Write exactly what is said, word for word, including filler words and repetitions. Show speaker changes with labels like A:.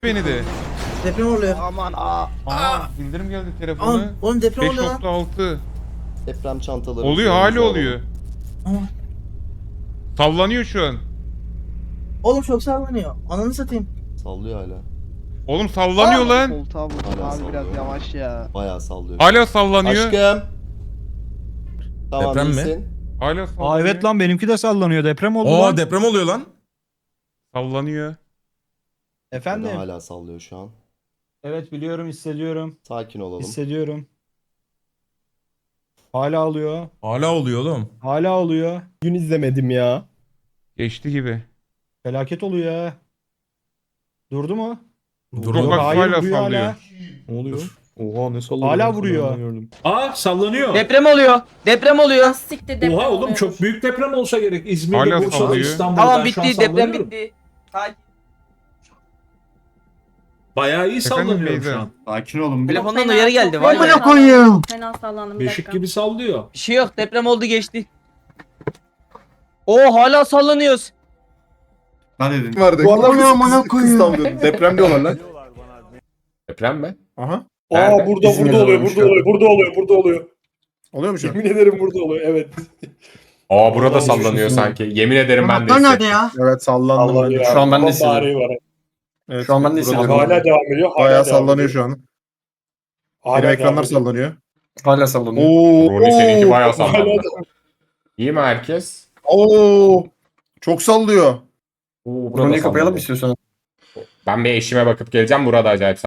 A: beni de.
B: Deprem oluyor.
C: Aman aa.
A: Aa, bildirim geldi
B: Aa,
A: telefona.
B: oğlum deprem
A: beş
B: oluyor lan.
A: nokta altı.
C: Deprem çantaları.
A: Oluyor, hali oluyor.
B: Aa,
A: Sallanıyor şu an.
B: oğlum çok sallanıyor. Ananı satayım.
C: Sallıyor hala.
A: Oğlum sallanıyor lan.
D: Koltuğa vurdum
C: Hala
D: abi biraz
C: sallıyor.
D: yavaş ya.
C: Bayağı sallıyor.
A: Hala sallanıyor.
C: Aşkım. Tamam
E: Deprem mi?
C: iyisin.
A: Hala sallanıyor.
F: Aa evet lan benimki de sallanıyor. Deprem oldu
E: Oo
F: lan.
E: deprem oluyor lan.
A: Sallanıyor.
F: Efendim?
C: Efendim? Hala sallıyor şu an.
F: Evet biliyorum, hissediyorum.
C: Sakin olalım.
F: Hissediyorum. Hala oluyor.
E: Hala oluyor oğlum.
F: Hala oluyor.
G: Gün izlemedim ya.
A: Geçti gibi.
F: Felaket oluyor ya. Durdu mu?
E: Dur
A: Yok,
E: oğlum.
A: bak,
F: hayır
A: hala
F: vuruyor
A: sallıyor.
F: hala.
G: Ne oluyor? Oha ne salladı.
F: Hala
G: ben
F: vuruyor.
G: sana gördüm.
H: Aa sallanıyor.
I: Deprem oluyor. Deprem oluyor.
J: Siktir deprem
H: Oha oğlum
J: oluyormuş.
H: çok büyük deprem olsa gerek. İzmir'de,
A: Hala
H: Bursa'da,
A: sallıyor.
H: İstanbul'da.
I: Tamam
H: ben şu an
I: bitti. Deprem
H: sallanıyorum.
I: bitti. Sakin.
H: Bayağı iyi
A: Efendim
H: sallanıyorum şu
A: Beyza?
H: an.
G: Sakin olun.
I: Telefondan
J: Fena,
I: uyarı
J: çok
I: geldi.
J: fena
I: Vay be.
J: sallandım.
B: koyayım.
J: Fena sallandım bir
H: Beşik
J: dakika.
H: gibi sallıyor.
I: Bir şey yok. Deprem oldu geçti. Oo hala sallanıyoruz.
G: Ne dedin?
K: Vardı.
G: Bu adam
K: amına koyayım.
G: Deprem diyorlar lan.
K: Deprem mi?
G: Aha.
K: Aa burada
G: İzmir'de
K: burada oluyor,
G: olmuş
K: burada
G: ya.
K: oluyor, burada oluyor, burada oluyor.
G: Oluyor mu şu an?
K: Yemin ederim burada oluyor, evet.
L: Aa burada
G: Olmuş
L: sallanıyor
G: musun?
L: sanki. Yemin ederim ben de
B: Anahtar nerede
L: hissettim.
B: ya?
G: Evet sallandım ben de.
K: Şu an ben de hissediyorum. Var.
G: Evet,
K: Şu an ben de
G: burada
K: hissediyorum.
G: da
K: Hala devam ediyor. Hala
G: Bayağı
K: devam
G: sallanıyor
K: ediyor.
G: şu an.
K: Hala
G: Benim
K: devam
G: ekranlar
K: ediyor.
G: sallanıyor.
K: Hala sallanıyor.
G: Oo.
L: Rolü seninki bayağı
K: Hala
L: sallandı.
K: devam-
L: İyi mi herkes?
G: Oo. Çok sallıyor.
L: Oo, burada
K: Konuyu kapayalım
L: sallanıyor.
K: istiyorsan.
L: Ben bir eşime bakıp geleceğim. Burada acayip